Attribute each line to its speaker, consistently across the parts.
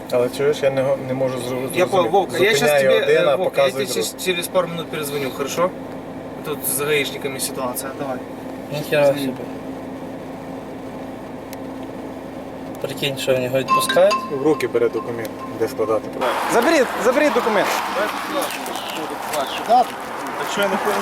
Speaker 1: Але чуєш, я не можу зрозуміти.
Speaker 2: Я понял, Вовка, я сейчас тебе, Вовка, я
Speaker 1: показую
Speaker 2: тебе через пару минут перезвоню, хорошо? Тут с гаишниками ситуация, давай.
Speaker 3: Ніхера собі. Прикинь, що в нього відпускають.
Speaker 1: В руки бере документ, де складати.
Speaker 4: Заберіть документ.
Speaker 1: А що я не понял?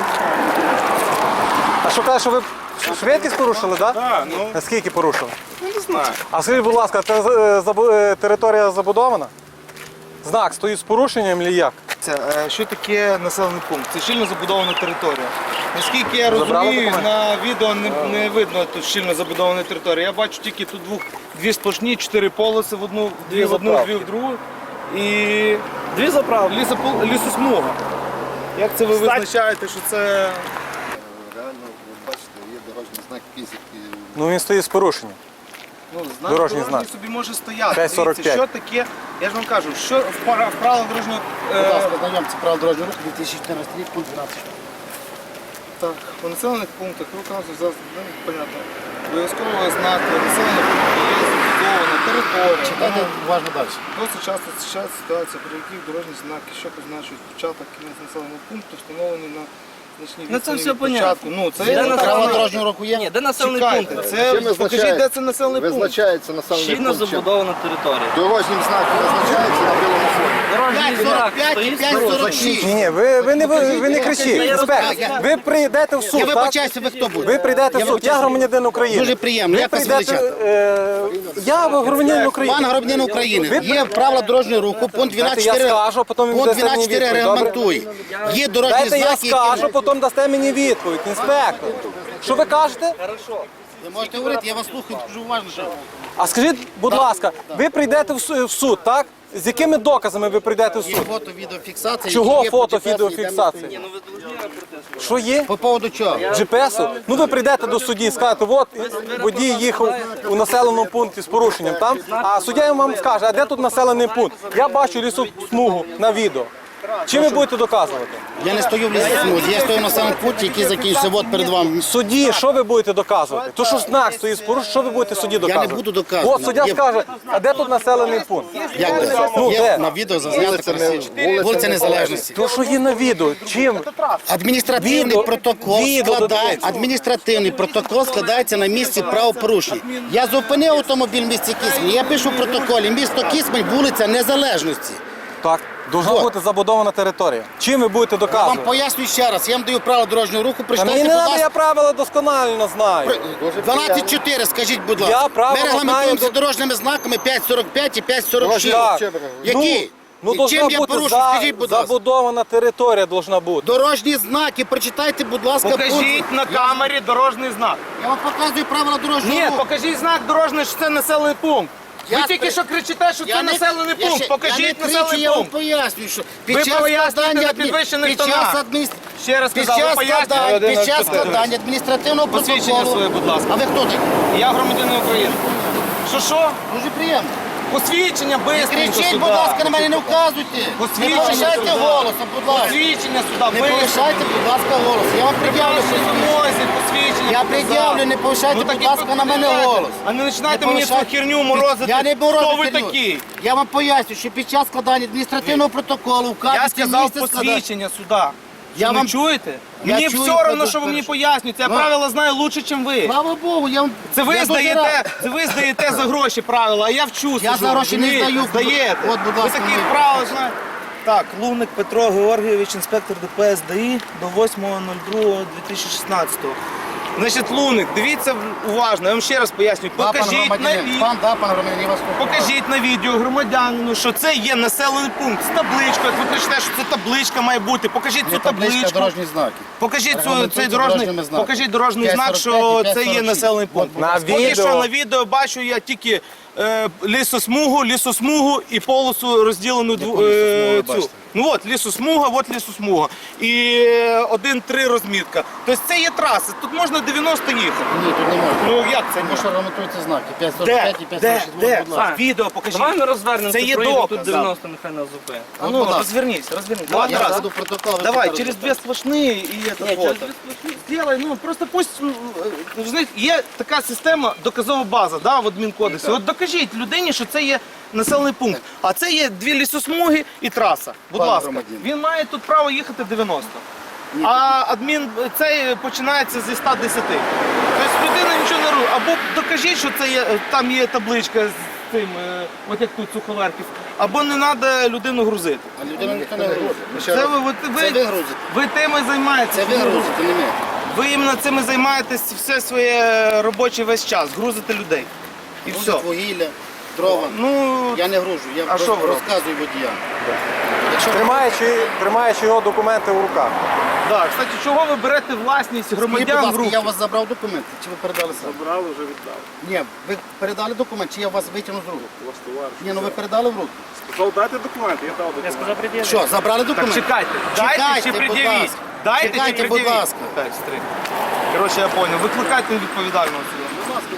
Speaker 4: А що каже, що ви швидкість порушили, так?
Speaker 1: Так, ну,
Speaker 4: А скільки порушили?
Speaker 1: не знаю.
Speaker 4: А скажіть, будь ласка, це територія забудована? Знак стоїть з порушенням чи як?
Speaker 2: Що таке населений пункт? Це щільно забудована територія. Наскільки я
Speaker 4: Забрали
Speaker 2: розумію,
Speaker 4: документи?
Speaker 2: на відео не видно тут щільно забудована територія. Я бачу тільки тут дві сплошні, 4 полоси в одну, дві в другу. І
Speaker 3: Дві заправки.
Speaker 2: лісосмуга. Як це ви визначаєте, що це...
Speaker 5: Реально, ви бачите, є дорожній знак фізики.
Speaker 4: Ну він стоїть з порушенням.
Speaker 2: Знак
Speaker 4: Дорожній
Speaker 2: дорожній
Speaker 4: знак.
Speaker 2: собі може стояти.
Speaker 4: 5,45.
Speaker 2: Дивіться, що таке, я ж вам кажу, що в правилах дорожнього...
Speaker 5: Будь ласка, знайомці правил дорожнього руху 2014 рік, пункт 12.
Speaker 2: Так, по населених пунктах виконавців зараз, понятно, обов'язково знаки, населених пунктів є забудована територія.
Speaker 5: Читайте уважно далі.
Speaker 2: Досить часто зустрічається ситуація, при яких дорожні знаки, що позначують початок кінець населеного пункту, встановлені на значній
Speaker 3: Ну, це
Speaker 2: відстані
Speaker 3: все
Speaker 2: від
Speaker 3: понятно.
Speaker 2: початку. Ну, це
Speaker 3: Де
Speaker 2: є
Speaker 3: населений
Speaker 5: Правила
Speaker 2: населений
Speaker 5: дорожнього руху є?
Speaker 3: Ні, де населений
Speaker 2: Чекайте,
Speaker 3: пункт?
Speaker 2: це
Speaker 5: Чим
Speaker 2: покажіть,
Speaker 5: визначається?
Speaker 2: де це населений пункт.
Speaker 5: Визначається населений
Speaker 3: Щільно
Speaker 5: пункт. чим?
Speaker 3: забудована територія.
Speaker 5: Дорожнім знаком визначається на білому фоні.
Speaker 3: Дорожній знак стоїть з порушенням.
Speaker 4: Ні, ви не кричіть. Інспектор, ви прийдете в суд,
Speaker 5: Я
Speaker 4: так?
Speaker 5: вибачаюся, ви хто буде?
Speaker 4: Ви прийдете в суд. Я громадянин України.
Speaker 5: Дуже приємно.
Speaker 4: Ви
Speaker 5: Як вас
Speaker 4: прийдете...
Speaker 5: величати?
Speaker 4: Я громадянин України.
Speaker 5: Пан громадянин України, є правила дорожнього руху, пункт
Speaker 4: Дайте я
Speaker 5: 12.4
Speaker 4: скажу, потім він
Speaker 5: пункт
Speaker 4: дасте мені
Speaker 5: 12.4
Speaker 4: відповідь,
Speaker 5: регламентує. Є дорожні
Speaker 4: Дайте я
Speaker 5: знаки,
Speaker 4: скажу, потім дасте мені відповідь, інспектор. Що ви кажете?
Speaker 5: Ви можете говорити, я вас слухаю, дуже уважно. що.
Speaker 4: А скажіть, будь ласка, ви прийдете в суд, так? З якими доказами ви прийдете в
Speaker 5: Є
Speaker 4: суд?
Speaker 5: фото, відеофіксація.
Speaker 4: Чого
Speaker 5: які є
Speaker 4: фото,
Speaker 5: по GPS,
Speaker 4: відеофіксація?
Speaker 5: йдемо.
Speaker 4: Що є?
Speaker 5: По поводу чого?
Speaker 4: GPS-у? Ну ви прийдете до судді і скажете, от водій їхав у населеному пункті з порушенням там, а суддя вам скаже, а де тут населений пункт? Я бачу лісосмугу на відео. Чим ви будете доказувати?
Speaker 5: Я не стою в лісосмузі, я стою на самому пункті, який закінчився от перед вами.
Speaker 4: Судді, що ви будете доказувати? То що знак стоїть з порушенням, що ви будете судді доказувати?
Speaker 5: буду доказувати.
Speaker 4: От суддя
Speaker 5: Є-
Speaker 4: скаже, а де тут населений пункт?
Speaker 5: Як де?
Speaker 4: Ну,
Speaker 5: Є
Speaker 4: де?
Speaker 5: на відео зазнято вулиця Незалежності.
Speaker 4: То, що є на відео, чим?
Speaker 5: Адміністративний протокол
Speaker 4: додається.
Speaker 5: адміністративний протокол складається на місці правопорушення. Я зупинив автомобіль в місті Кисмень, я пишу в протоколі місто Кисмень, вулиця Незалежності.
Speaker 4: Так, должна
Speaker 5: Вот.
Speaker 4: бути забудована територія. Чим ви будете
Speaker 5: Я вам
Speaker 4: доказувати?
Speaker 5: пояснюю ще раз, я вам даю право дорожнього руху,
Speaker 4: Та
Speaker 5: прочитайте,
Speaker 4: мені
Speaker 5: будь
Speaker 4: не треба, я
Speaker 5: ласка.
Speaker 4: правила досконально знаю.
Speaker 5: 12.4, скажіть, будь
Speaker 4: Я
Speaker 5: ласка.
Speaker 4: правила
Speaker 5: Ми регламентуємо
Speaker 4: знаю.
Speaker 5: за дорожніми знаками 5.45 і 5.46.
Speaker 4: Так.
Speaker 5: Які?
Speaker 4: Ну,
Speaker 5: І
Speaker 4: должна
Speaker 5: чим я
Speaker 4: бути
Speaker 5: порушу, скажіть, будь ласка.
Speaker 4: забудована територія должна бути.
Speaker 5: Дорожні знаки, прочитайте, будь ласка,
Speaker 2: Покажіть на камері дорожній знак.
Speaker 5: Я вам показую правила дорожнього
Speaker 2: Ні,
Speaker 5: руху.
Speaker 2: покажіть знак дорожній, що це населений пункт. Ви
Speaker 5: Я
Speaker 2: тільки
Speaker 5: спри-
Speaker 2: що кричите, що це населений
Speaker 5: я
Speaker 2: пункт.
Speaker 5: ще- я
Speaker 2: Покажіть
Speaker 5: не кричу,
Speaker 2: населений
Speaker 5: я вам
Speaker 2: пункт.
Speaker 5: пояснюю, що
Speaker 2: Ви
Speaker 5: під час
Speaker 2: пояснюєте
Speaker 5: складання
Speaker 2: на
Speaker 5: адмі-
Speaker 2: підвищених
Speaker 5: під час
Speaker 2: тонах.
Speaker 5: адміністр-
Speaker 2: Ще раз
Speaker 5: під
Speaker 2: сказав, ви
Speaker 5: час
Speaker 2: пояснюєте.
Speaker 5: складання- під час складання адміністративного
Speaker 2: Посвідчення
Speaker 5: протоколу.
Speaker 2: своє, будь ласка.
Speaker 5: А ви хто такий?
Speaker 2: Я громадянин України. Що?
Speaker 5: Дуже приємно.
Speaker 2: Посвідчення
Speaker 5: Не
Speaker 2: бистренько
Speaker 5: кричіть,
Speaker 2: сюди.
Speaker 5: будь ласка, на мене не вказуйте. Не
Speaker 2: Посвідчення
Speaker 5: повишайте
Speaker 2: сюди.
Speaker 5: голосом, будь ласка.
Speaker 2: Посвідчення сюди,
Speaker 5: Не
Speaker 2: бистренько.
Speaker 5: повишайте, будь ласка, голос. Я вам пред'явлю.
Speaker 2: Що вимозі, посвідчення.
Speaker 5: Я
Speaker 2: показав.
Speaker 5: пред'явлю, не повишайте,
Speaker 2: Ну, так
Speaker 5: будь
Speaker 2: і
Speaker 5: ласка, на мене
Speaker 2: повишайте.
Speaker 5: голос.
Speaker 2: А не починайте
Speaker 5: Не
Speaker 2: мені цю
Speaker 5: повишайте.
Speaker 2: херню морозити.
Speaker 5: Я не морозити
Speaker 2: Хто ви
Speaker 5: херню.
Speaker 2: такий?
Speaker 5: Я вам поясню, що під час складання адміністративного протоколу
Speaker 2: Я
Speaker 5: вказується
Speaker 2: сказав
Speaker 5: місце складання.
Speaker 2: посвідчення сюди.
Speaker 5: Я
Speaker 2: Ви
Speaker 5: вам-
Speaker 2: чуєте?
Speaker 5: Я
Speaker 2: Мені
Speaker 5: чую,
Speaker 2: все одно,
Speaker 5: буду
Speaker 2: що ви мені
Speaker 5: перше.
Speaker 2: пояснюєте. Я
Speaker 5: Ну.
Speaker 2: правила знаю лучше, ніж ви.
Speaker 5: Слава Богу, я вам...
Speaker 2: Це ви
Speaker 5: я дуже рад.
Speaker 2: здаєте, за гроші правила, а я вчуся.
Speaker 5: Я за гроші не здаю.
Speaker 2: Здаєте.
Speaker 5: От, будь ласка,
Speaker 2: ви таких
Speaker 5: ви.
Speaker 2: правил знаєте. Так, Луник Петро Георгійович, інспектор ДПС ДАІ до 8.02.2016. Значить, Луник, дивіться уважно, я вам ще раз поясню.
Speaker 5: Да, пан
Speaker 2: Покажіть на
Speaker 5: громадянин.
Speaker 2: відео.
Speaker 5: Пан громадянин, я вас слухаю.
Speaker 2: Покажіть на відео громадянину, що це є населений пункт з табличкою. Як ви кричите, що це табличка має бути. Покажіть
Speaker 5: Є
Speaker 2: цю
Speaker 5: табличка,
Speaker 2: табличку.
Speaker 5: дорожні знаки.
Speaker 2: Покажіть цей
Speaker 5: Регламентується
Speaker 2: дорожній,
Speaker 5: дорожніми знаками.
Speaker 2: покажіть дорожній знак, що
Speaker 5: 5.45 і
Speaker 2: це є
Speaker 5: 5.46.
Speaker 2: населений пункт.
Speaker 4: На
Speaker 2: Поки
Speaker 4: відео.
Speaker 2: що на відео бачу я тільки лісосмугу і полосу розділену
Speaker 5: Яку лісосмугу ви
Speaker 2: цю.
Speaker 5: бачите?
Speaker 2: Ну от лісосмуга. І 1-3 розмітка. Тобто це є траса, тут можна 90 їхати.
Speaker 5: Ні, тут не можна.
Speaker 2: Ну як це
Speaker 5: Тому
Speaker 2: ні?
Speaker 5: що регламентуються знаки.
Speaker 2: Де?
Speaker 5: 5.45 і 5.46.
Speaker 2: Де?
Speaker 5: Будь ласка.
Speaker 2: Відео покажіть.
Speaker 3: Давай ми розвернемося,
Speaker 2: Це є
Speaker 3: проїдемо
Speaker 2: доказ,
Speaker 3: тут 90, нехай нас зупинить.
Speaker 2: А
Speaker 5: Будь
Speaker 2: ну,
Speaker 5: ласка.
Speaker 2: розвернись.
Speaker 5: Я
Speaker 2: Давай, раз.
Speaker 5: буду протокол. ви
Speaker 2: Давай,
Speaker 5: тепер
Speaker 2: через
Speaker 5: розповідайте.
Speaker 2: две сплошные и это
Speaker 3: Ні,
Speaker 2: фото. Сделай, ну просто пусть, ви знаєте, є така система доказова база, да, в адмінкодексі. От докажіть докажіть людині, що це є населений пункт. А це є 2 лісосмуги і траса. Будь
Speaker 5: Пане
Speaker 2: ласка.
Speaker 5: громадянин.
Speaker 2: Він має тут право їхати 90. А адмін цей починається зі 110. Тобто людина нічого не робить. Або докажіть, що це є, там є табличка з цим, от як тут Суховерків, або не треба людину грузити.
Speaker 5: А людина ніхто не грузить.
Speaker 2: Це ви
Speaker 5: грузите.
Speaker 2: ви тим і займаєтеся.
Speaker 5: Це ви грузите, не ми.
Speaker 2: Ви іменно цим і займаєтесь все своє робочий весь час, грузите людей. І все.
Speaker 5: Грузить вугілля, дрова.
Speaker 2: Ну,
Speaker 5: Я не гружу, я
Speaker 2: А що
Speaker 5: просто
Speaker 2: ви робите?
Speaker 5: розказую водіям. Якщо
Speaker 4: Тримаючи його документи в руках.
Speaker 2: да. Кстати, чого ви берете власність
Speaker 5: Скажіть, будь
Speaker 2: громадян в
Speaker 5: ласка,
Speaker 2: руки?
Speaker 5: я у вас забрав документи, чи ви передали сам?
Speaker 1: Забрали, вже віддав.
Speaker 5: Ні, ви передали документ, чи я вас витягну з рук? Ні, ну ви передали в руки.
Speaker 1: Сказав, дайте документи, я дав документи.
Speaker 5: Що, забрали
Speaker 2: Так
Speaker 5: документ?
Speaker 2: чекайте, дайте чи
Speaker 5: будь
Speaker 2: пред'явіть.
Speaker 5: ласка.
Speaker 2: Дайте чи
Speaker 5: Чекайте, будь
Speaker 2: пред'явіть.
Speaker 5: ласка.
Speaker 2: Так, стрій. Коротше, я зрозумів. Викликайте відповідального сюди.
Speaker 5: Будь ласка,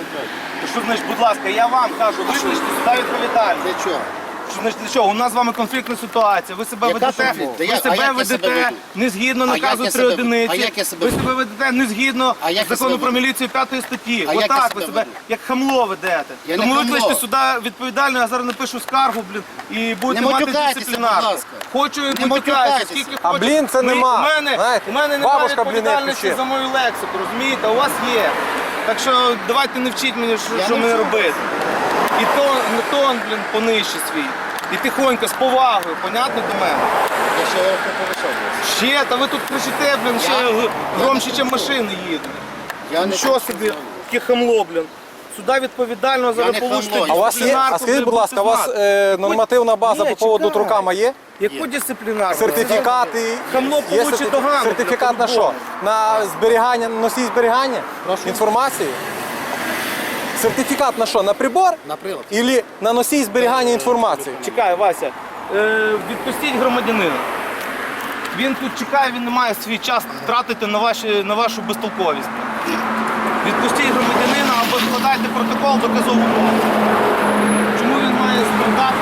Speaker 2: Що значить, будь ласка, я вам кажу, викличте сюди відповідальність.
Speaker 5: для чого?
Speaker 2: Що значить, для чого? У нас з вами конфліктна ситуація. Ви себе
Speaker 5: Яка
Speaker 2: ведете,
Speaker 5: конфліктна?
Speaker 2: ви
Speaker 5: А
Speaker 2: себе
Speaker 5: як я себе
Speaker 2: ведете
Speaker 5: веду?
Speaker 2: не згідно
Speaker 5: А як
Speaker 2: наказу
Speaker 5: я
Speaker 2: 3
Speaker 5: себе веду?
Speaker 2: одиниці.
Speaker 5: А як я себе
Speaker 2: Ви
Speaker 5: веду?
Speaker 2: себе ведете не згідно
Speaker 5: А як я
Speaker 2: закону
Speaker 5: себе
Speaker 2: про
Speaker 5: веду?
Speaker 2: міліцію 5 статті.
Speaker 5: А як я
Speaker 2: Отак
Speaker 5: себе
Speaker 2: ви себе
Speaker 5: веду?
Speaker 2: як хамло ведете.
Speaker 5: Я не
Speaker 2: Тому
Speaker 5: хамло.
Speaker 2: викличте сюди відповідального, я зараз напишу скаргу, блін, і будете мати
Speaker 5: матюкайтеся,
Speaker 2: дисциплінарку.
Speaker 5: будь ласка.
Speaker 2: Хочу і
Speaker 5: Не
Speaker 2: матюкаюся,
Speaker 5: матюкайтеся.
Speaker 2: скільки
Speaker 4: А
Speaker 2: хочу.
Speaker 4: блін, це нема. Знаєте,
Speaker 2: У мене немає
Speaker 4: бабушка бліни
Speaker 2: відповідальності
Speaker 4: пече.
Speaker 2: за мою лексику, розумієте? А у вас є. Так що давайте не вчіть мені,
Speaker 5: Я
Speaker 2: що
Speaker 5: не
Speaker 2: мені
Speaker 5: вчу.
Speaker 2: робити. І тон, блін, понижче свій. І тихонько, з повагою, понятно до мене?
Speaker 5: Я ще раз не повишав.
Speaker 2: Ще, та ви тут кричите, блін, ще громче, ніж машини їдуть.
Speaker 5: Я не
Speaker 2: Що собі, яке хамло, блін. Сюди відповідального зараз
Speaker 5: не
Speaker 2: получите
Speaker 5: хамло.
Speaker 4: А у вас є, а скажіть, будь ласка, у вас нормативна база
Speaker 2: Ні,
Speaker 4: по поводу
Speaker 2: чекай.
Speaker 4: трукама є?
Speaker 2: Яку дисциплінарну?
Speaker 4: Сертифікати?
Speaker 2: Хамло
Speaker 4: Є
Speaker 2: получить догану,
Speaker 4: сертифікат на що?
Speaker 2: по-любому.
Speaker 4: На зберігання, носій зберігання? Інформації? Сертифікат на що? На прибор?
Speaker 5: На прилад.
Speaker 4: Ілі на носій зберігання інформації?
Speaker 2: Чекай, Вася, відпустіть громадянина. Він тут чекає, він не має свій час тратити на вашу безтолковість. Відпустіть громадянина або складайте протокол доказову базу. Чому він має страдати?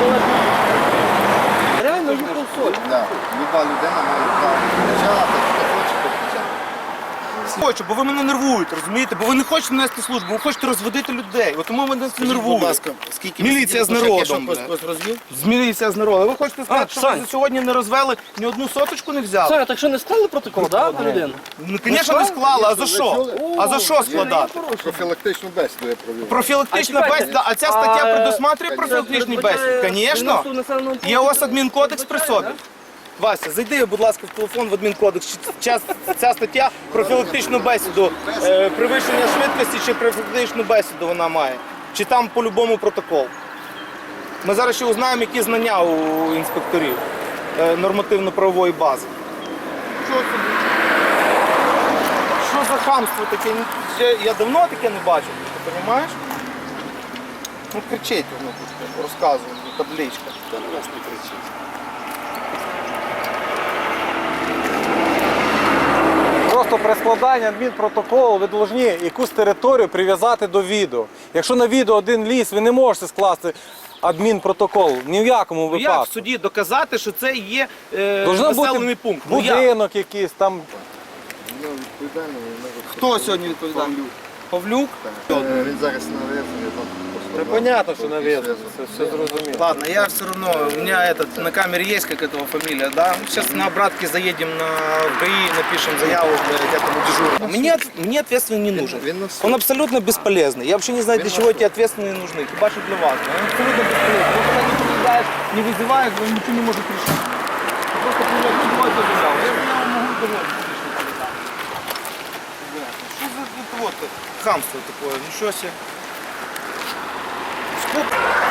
Speaker 2: Реально їхав соль.
Speaker 6: Да. Люба людина має право кричати, хто хоче, то кричати.
Speaker 2: Хочу, бо ви мене нервуєте, розумієте? Бо ви не хочете нести службу, ви хочете розводити людей. От тому мене це
Speaker 5: Скажіть, будь
Speaker 2: нервує.
Speaker 5: ласка, скільки
Speaker 2: Міліція з народом,
Speaker 5: Я
Speaker 2: бля.
Speaker 5: щось розвів?
Speaker 2: З міліція з народу. Ви хочете сказати, що ви
Speaker 3: Сань.
Speaker 2: за сьогодні не розвели, ні одну соточку не взяли?
Speaker 3: Саня, так що не склали протокол, да, на людину?
Speaker 2: Ну, звісно, не склали. А за що? А за що складати?
Speaker 6: Профілактичну бесіду я провів.
Speaker 2: Профілактична
Speaker 3: А чекайте,
Speaker 2: бесіда, а ця стаття
Speaker 3: а,
Speaker 2: предусматриває профілактичні бесіди? Звісно. Є у вас адмінкодекс при собі. Вася, зайди, будь ласка, в телефон в адмінкодекс. Ця стаття профілактичну бесіду, перевищення швидкості чи профілактичну бесіду вона має. Чи там по-любому протокол. Ми зараз ще узнаємо, які знання у інспекторів нормативно-правової бази. Що собі? Що за хамство таке? Я давно таке не бачив, ти розумієш? Ну кричить воно тут, розказує, табличка.
Speaker 5: Та на вас не кричить.
Speaker 4: Просто при складанні адмінпротоколу ви повинні якусь територію прив'язати до відео. Якщо на відео один ліс, ви не можете скласти адмінпротокол ні в якому
Speaker 2: Ну як в
Speaker 4: випадку.
Speaker 2: суді доказати, що це є
Speaker 4: Должна
Speaker 2: населений
Speaker 4: бути
Speaker 2: пункт? Ну як?
Speaker 4: будинок якийсь там.
Speaker 6: Ну, відповідально, він може
Speaker 2: Хто сьогодні відповідальний? Павлюк?
Speaker 6: Він зараз нав'язаний там.
Speaker 4: Це понятно, що нав'язано, це все зрозуміло.
Speaker 2: Ладно, я все равно, у меня на камере есть как этого фамилия, да? Сейчас на обратке заедем на ГАИ, напишем заяву для этому дежурному. Мне ответственный не нужен. Он абсолютно бесполезный. Я вообще не знаю, для чего эти ответственные нужны. Хиба что для вас. Он абсолютно бесполезный. Он когда не приезжает, не вызывает, он ничего не может решить. Просто приезжает, другой заяву. Я заяву могу доводить. Что за вот хамство такое? Ничего себе. Сколько?